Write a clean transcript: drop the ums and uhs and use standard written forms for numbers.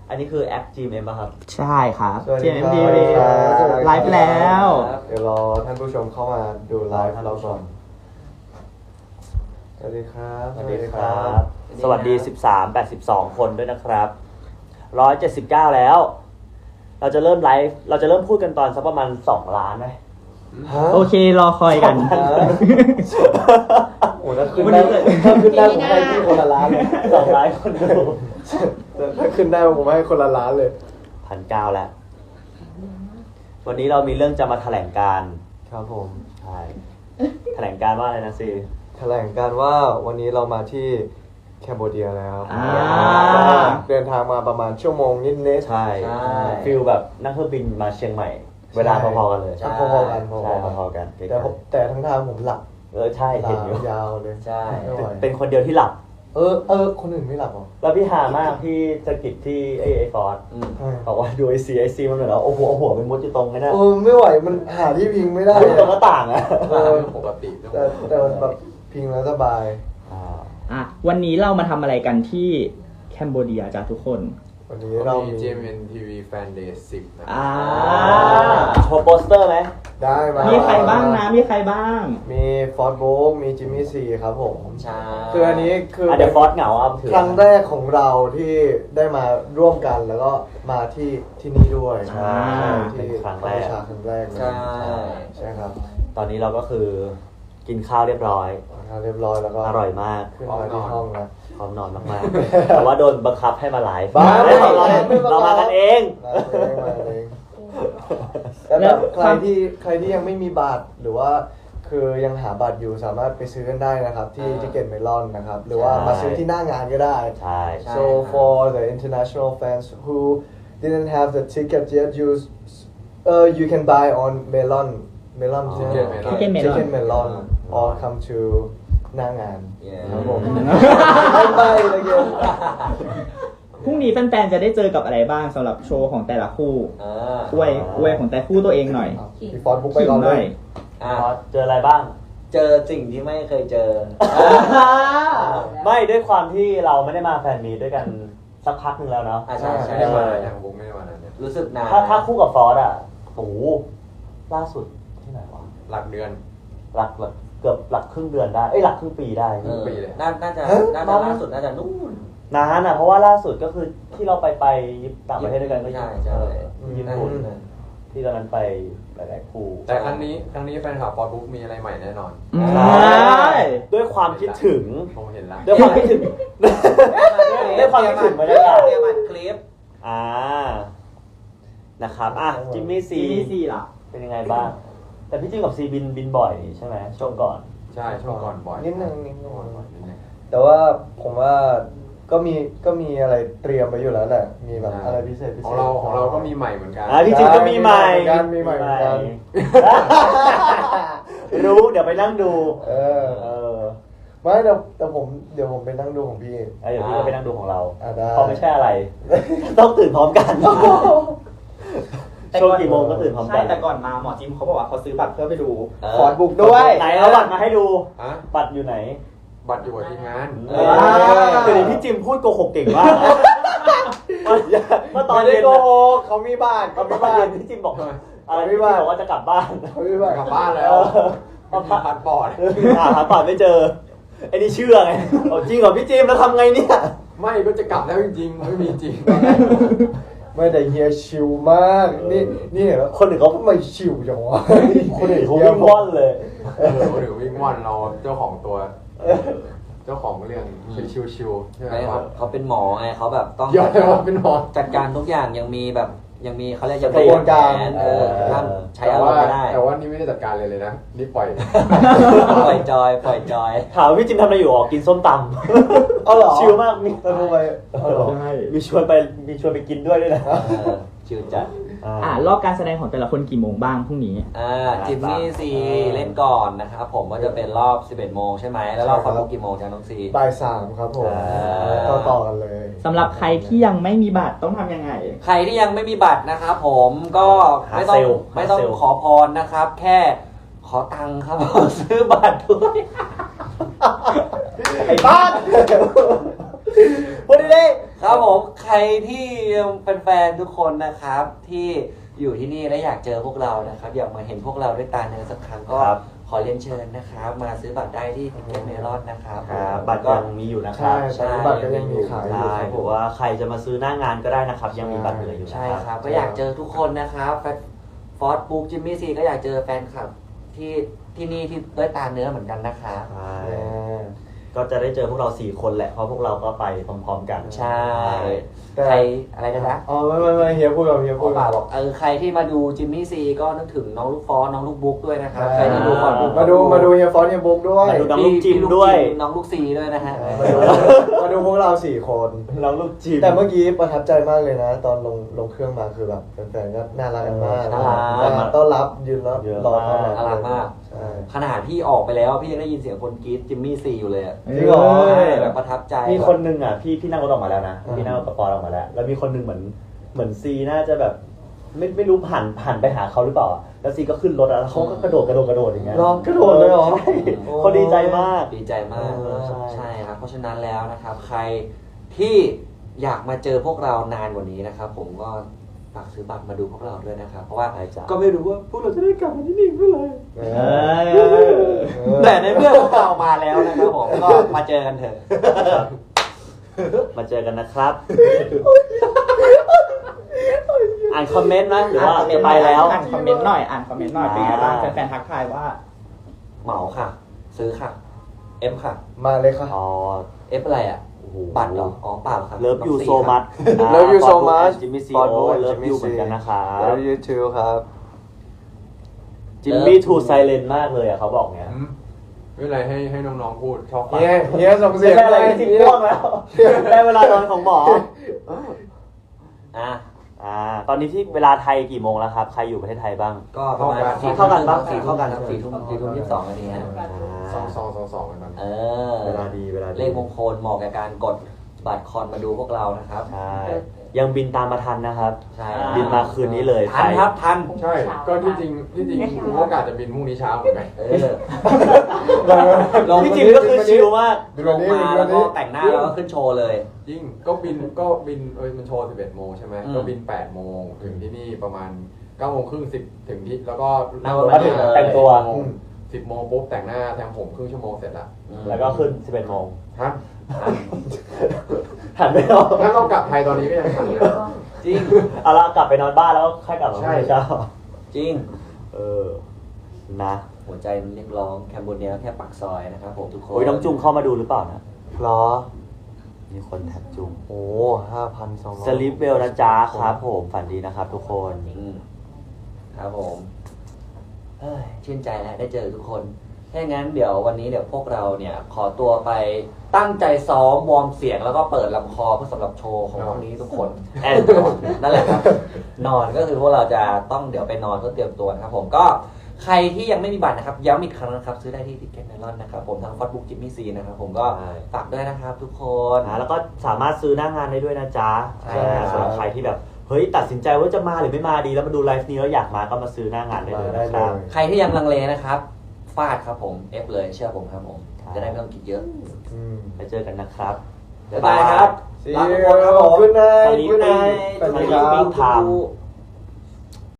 อันนี้คือแอป GMM ป่ะครับใช่ครับ GMM GMM TV ไลฟ์แล้วเดี๋ยวรอท่านผู้ชมเข้ามาดูไลฟ์เราก่อนสวัสดีครับสวัสดีครับ สวัสดี13-82 คนด้วยนะครับ179แล้วเราจะเริ่มไลฟ์เราจะเริ่มพูดกันตอนสักประมาณ2 ล้านไหมโอเครอคอยกันโอ้ถ้าขึ้นได้ผมให้พี่คนละล้านเลย 2 ล้านคนดูถ้าขึ้นได้ผมให้คนละล้านเลย 1,900แล้ววันนี้เรามีเรื่องจะมาแถลงการครับผมใช่แถลงการว่าอะไรนะซีแถลงการว่าวันนี้เรามาที่แคนเบเดียแล้วเดินทางมาประมาณชั่วโมงนิดๆใช่ฟิลแบบนั่งเครื่องบินมาเชียงใหม่เวลาพอๆกันเลยพอๆกันพอๆกันแต่ทั้งทางผมหลับใช่เห็นอยู่ยาวเลยใช่เป็นคนเดียวที่หลับคนอื่นไม่หลับหรอแล้วพี่หามากพี่สกิดที่ไอฟอร์ดบอกว่าดูไอซีมันเหมือนเราโอ้โหหัวเป็นมดอยู่ตรงไงนะไม่ไหวมันหาที่พิงไม่ได้ตรงหน้าต่างอะปกติแต่แบบพิงแล้วสบายวันนี้เรามาทำอะไรกันที่แคนเบเดียจ้ะทุกคนวันนี้เรามี GMM TV Fan Day 10นะโชว์โปสเตอร์ไหมได้มีใครบ้างนะมีใครบ้างมีฟอร์ดโบกมีจิมมี่ซีครับผมใช่คืออันนี้คือเดี๋ยวฟอร์ดเหงาครั้งแรกของเราที่ได้มาร่วมกันแล้วก็มาที่นี่ด้วยใช่เป็นครั้งแรกใช่ครับตอนนี้เราก็คือกินข้าวเรียบร้อยแล้วก็อร่อยมากขึ้นมาที่ห้องนะพร้อมนอนมากๆแต่ว่าโดนบังคับให้มาไลฟ์เรามากันเองแล้วใครที่ยังไม่มีบัตรหรือว่าคือยังหาบัตรอยู่สามารถไปซื้อกันได้นะครับที่ทิเก็ตเมลอนนะครับหรือว่ามาซื้อที่หน้างานก็ได้ใช่ so for the international fans who didn't have the ticket yet you can buy on melon ticket melon or come to หน้างานครับผมไปเลยเกมพรุ่งนี้แฟนๆจะได้เจอกับอะไรบ้างสำหรับโชว์ของแต่ละคู่อวยของแต่คู่ตัวเองหน่อยพี่ฟอร์ดบุ๊กไปก่อนเลยเจออะไรบ้างเจอสิ่งที่ไม่เคยเจอไม่ด้วยความที่เราไม่ได้มาแฟนมีด้วยกันสักพักนึงแล้วเนาะใช่ไม่ได้มาทางบุ๊กไม่ได้มาเนี่ยรู้สึกนานถ้าคู่กับฟอร์ดอ่ะโอ้ล่าสุดที่ไหนวะหลักเดือนเกือบหลักครึ่งเดือนได้หลักครึ่งปีได้ปีเลยน่าจะล่าสุดน่าจะนู่นนานอ่ะเพราะว่าล่าสุดก็คือที่เราไปต่างประเทศด้วยกันก็ใช่ญี่ปุ่นที่ตอนนั้นไปหลายๆคู่แต่ครั้งนี้แฟนคลับฟอร์ดบุ๊กมีอะไรใหม่แน่นอนใช่ด้วยความคิดถึงผมเห็นแล้วด้วยความคิดถึงด้วยความคิดถึงบรรยากาศคลิปนะครับจิมมี่ซีล่ะเป็นยังไงบ้างแต่พี่จิมกับซีบินบ่อยใช่ไหมช่วงก่อนใช่ช่วงก่อนบ่อยนิดนึงแต่ว่าผมว่าก็มีอะไรเตรียมไปอยู่แล้วแหละมีแบบอะไรพิเศษของเราก็มีใหม่เหมือนกันพี่จิมก็มีใหม่มีใหม่เหมือนกันรู้เดี๋ยวไปนั่งดูไม่แต่ผมเดี๋ยวผมไปนั่งดูของพี่เดี๋ยวพี่ก็ไปนั่งดูของเราเพราะไม่ใช่อะไรต้องตื่นพร้อมกันช่วงกี่โมงก็ตื่นพร้อมกันใช่แต่ก่อนมาหมอจิมเขาบอกว่าเขาซื้อบัตรเพื่อไปดูฟอร์ดบุ๊กด้วยไหนเอาบัตรมาให้ดูบัตรอยู่ไหนบัตรอยู่กับทีมงานเดี๋ยวพี่จิมพูดโกหกเก่งมากเมื่อตอนเย็นเขามีบ้านพี่จิมบอกอะไรพี่บอกว่าจะกลับบ้านกลับบ้านแล้วผ่านปอดหาปอดไม่เจอไอ้นี่เชื่อไงจริงเหรอพี่จิมแล้วทำไงเนี่ยไม่ก็จะกลับแล้วจริงๆไม่มีจริงไม่แต่เฮียชิลมากนี่เห็นแล้วคนอื่นเขาไม่ชิลจังวะคนอื่นเขาวิ่งว่อนเลยคนอื่นวิ่งว่อนเราเจ้าของตัวเจ้าของเรื่องเป็นชิวๆใช่ไหมเขาเป็นหมอไงเขาแบบต้องเป็นหมอจัดการทุกอย่างยังมีเขาเรียกกระบวนการห้ามใช้อารมณ์ไม่ได้แต่ว่านี่ไม่ได้จัดการเลยนะนี่ปล่อยจอยถามพี่จิมทำอะไรอยู่กินส้มตำเหรอชิลมากมีชวนไปกินด้วยนะชิลจัดรอบการแสดงของแต่ละคนกี่โมงบ้างพรุ่งนี้จิมมี่ซีเล่นก่อนนะครับผมก็จะเป็นรอบ11 โมงใช่ไหมแล้วรอบฟอร์ดบุ๊กกี่โมงจ๊ะน้องซีบ่าย 3ครับผมต่อกันเลยสำหรับใครที่ยังไม่มีบัตรต้องทำยังไงใครที่ยังไม่มีบัตรนะครับผมก็ไม่ต้องขอพรนะครับแค่ขอตังค์ครับซื้อบัตรด้วยไอ้บ้านพูดดิครับครับผมใครที่เป็นแฟนๆทุกคนนะครับที่อยู่ที่นี่และอยากเจอพวกเรานะครับอยากมาเห็นพวกเราด้วยตาเนื้อสักครั้งก็ขอเรียนเชิญนะครับมาซื้อบัตรได้ที่ทิกเก็ตเมลอนนะครับบัตรยังมีอยู่นะครับใช่บัตรก็ยังมีขายอยู่ใช่ครับผมว่าใครจะมาซื้อหน้างานก็ได้นะครับ ยังมีบัตรเหลืออยู่นะใช่ครับครับก็อยากเจอทุกคนนะครับฟอสบุ๊กจิมมี่ซีก็อยากเจอแฟนคลับที่นี่ที่ด้วยตาเนื้อเหมือนกันนะครับใช่ก็จะได้เจอพวกเรา4คนแหละเพราะพวกเราก็ไปพร้อมๆกันใช่แต่ใครอะไรกันนะอ๋อไม่เฮียพูดกับเฮียพ่พูอดป่าบอกใครที่มาดูจิมมี่ซีก็นึกถึงน้องลูกฟอสน้องลูกบุ๊กด้วยนะครับใครที่ดูฟอสบุ๊กมาดูเฮียฟอนเฮียบุ๊กด้วยมาดูน้องลูกจิมด้วยน้องลูกซีด้วยนะฮะมาดูพวกเรา4 คนน้องลูกจิมแต่เมื่อกี้ประทับใจมากเลยนะ ตอนลงเครื่องมาคือแบบแฟนๆก็น่ารักกันมากน่ารักแบบต้อนรับยืนแล้วรอต้อนรับน่ารักมากใช่ขนาดพี่ออกไปแล้วพี่ยังได้ยินเสียงคนกรี๊ดจิมมี่ซีอยู่เลยอะจริงเหรอใช่แบบประทับใจมีคนนึงอ่ะพี่นั่งรถออกมาแล้วนะอืมพี่นั่งรถกระป๋อออกมาแล้ว แล้วมีคนนึงเหมือนซีน่าจะแบบไม่รู้หันไปหาเขาหรือเปล่าอะแล้วซีก็ขึ้นรถอะแล้วเขาก็กระโดดอย่างเงี้ยรอกระโดดเลยเหรอใช่เขาดีใจมากดีใจมากใช่ใช่ครับ เพราะฉะนั้นแล้วนะครับ ใครที่อยากมาเจอพวกเรานานกว่านี้นะครับ ผมก็ฝากซื้อบัตรมาดูพวกเราด้วยนะครับ เพราะว่าใช่จ้ะก็ไม่รู้ว่าพวกเราจะได้กลับมาที่นี่เมื่อไหร่เอเออแต่ในเมื่อพวกเรามาแล้วนะครับผมก็มาเจอกันเถอะมาเจอกันนะครับ อ่านคอมเมนต์นะหรือว่าจะไปแล้วอ่านคอมเมนต์หน่อยเป็นไงบ้างแฟนๆทักทายว่าเหมาค่ะ ซื้อค่ะ F ค่ะมาเลยค่ะอ๋อ F อะไรอ่ะโอ้โหบัตรเหรอ อ๋อเปล่าครับเลิฟยูน้องโซซีครับมั Love you so much จิมมี่ซี Ford โอ้ Boy เลิฟ Jimmy ยู C เหมือนกันนะครับ Love you too ครับจิมมี่ทูไซเลนมากเลยอ่ะเขาบอกเนี้ยไม่เป็นไรให้น้องๆพูดชอบฟังเฮียส่งเสียงไม่ใช่อะไรที่ง่วงแล้ว ได้เวลานอนของหมออ่ะตอนนี้ที่เวลาไทยกี่โมงแล้วครับ ใครอยู่ประเทศไทยบ้างก็ประมาณเท่ากันปะสี่เท่ากันครับ4 ทุ่ม 22นาทีฮะ 2กันตอนนี้เออเวลาดีเวลาดีเลขมงคลเหมาะกับการกดบัตรคอนมาดูพวกเรานะครับใช่ ยังบินตามมาทันนะครับใช่บินมาคืนนี้เลยทันครับทันใช่ ก็ที่จริงกูก็กะจะบินพรุ่งนี้เช้าเหมือนกันเออพี่จิมก็คือชิลมากลงมาแล้วก็แต่งหน้าแล้วก็ขึ้นโชว์เลยยิ่งก็บินมันโชว์ 11 โมงใช่ไหมอืมก็บิน 8 โมงถึงที่นี่ประมาณ 9 โมงครึ่ง 10 ถึงที่แล้วก็นั่งรถมาถึงแต่งตัว 10 โมงปุ๊บแต่งหน้าแทงผมครึ่งชั่วโมงเสร็จละแล้วก็ขึ้น 11 โมงฮะหันไม่ออกถ้าเรากลับไทยตอนนี้ก็ยังทันนะจริงเอาละกลับไปนอนบ้านแล้วค่อยกลับมาใช่พรุ่งนี้เช้าจริงเออ นะหัวใจมันเรียกร้องแคมโบเนียแค่ปากซอยนะครับผมทุกคนโอ้ยน้องจุงเข้ามาดูหรือเปล่านะหรอมีคนแท็กจุงโอ้5,200 สลิปเวลนะจ๊ะครับผมฝันดีนะครับทุกคนครับผมเฮ้ยชื่นใจแล้วได้เจอทุกคนถ้างั้นเดี๋ยววันนี้เดี๋ยวพวกเราเนี่ยขอตัวไปตั้งใจซ้อมวอร์มเสียงแล้วก็เปิดลำคอเพื่อสำหรับโชว์ของพวกนี้ทุกคนแอนนอนนั่นแหละครับ นอนก็คือพวกเราจะต้องเดี๋ยวไปนอนเพื่อเตรียมตัวนะครับผมก็ใครที่ยังไม่มีบัตรนะครับย้ำอีกครั้งนะครับซื้อได้ที่ทิกเก็ตเมลอนนะครับผมทางฟอสบุ๊กจิมมี่ซีนะครับผมก็ฝากด้วยนะครับทุกคนแล้วก็สามารถซื้อหน้างานได้ด้วยนะจ๊ะใช่ครับสำหรับใครที่แบบเฮ้ยตัดสินใจว่าจะมาหรือไม่มาดีแล้วมาดูไลฟ์นี้แล้วอยากมาก็มาซื้อหน้างานได้เลยนะครับใครที่ยังลังเลนะครับฟาดครับผม F เลยเชื่อผมครับผมครับจะได้ไม่ต้องคิดเยอะไปเจอกันนะครับบ๊ายบายครับ See ลาทุกคนครับผม you Good night Sleeping Good night สวัสดีสวัสดีคครัรับ บ Time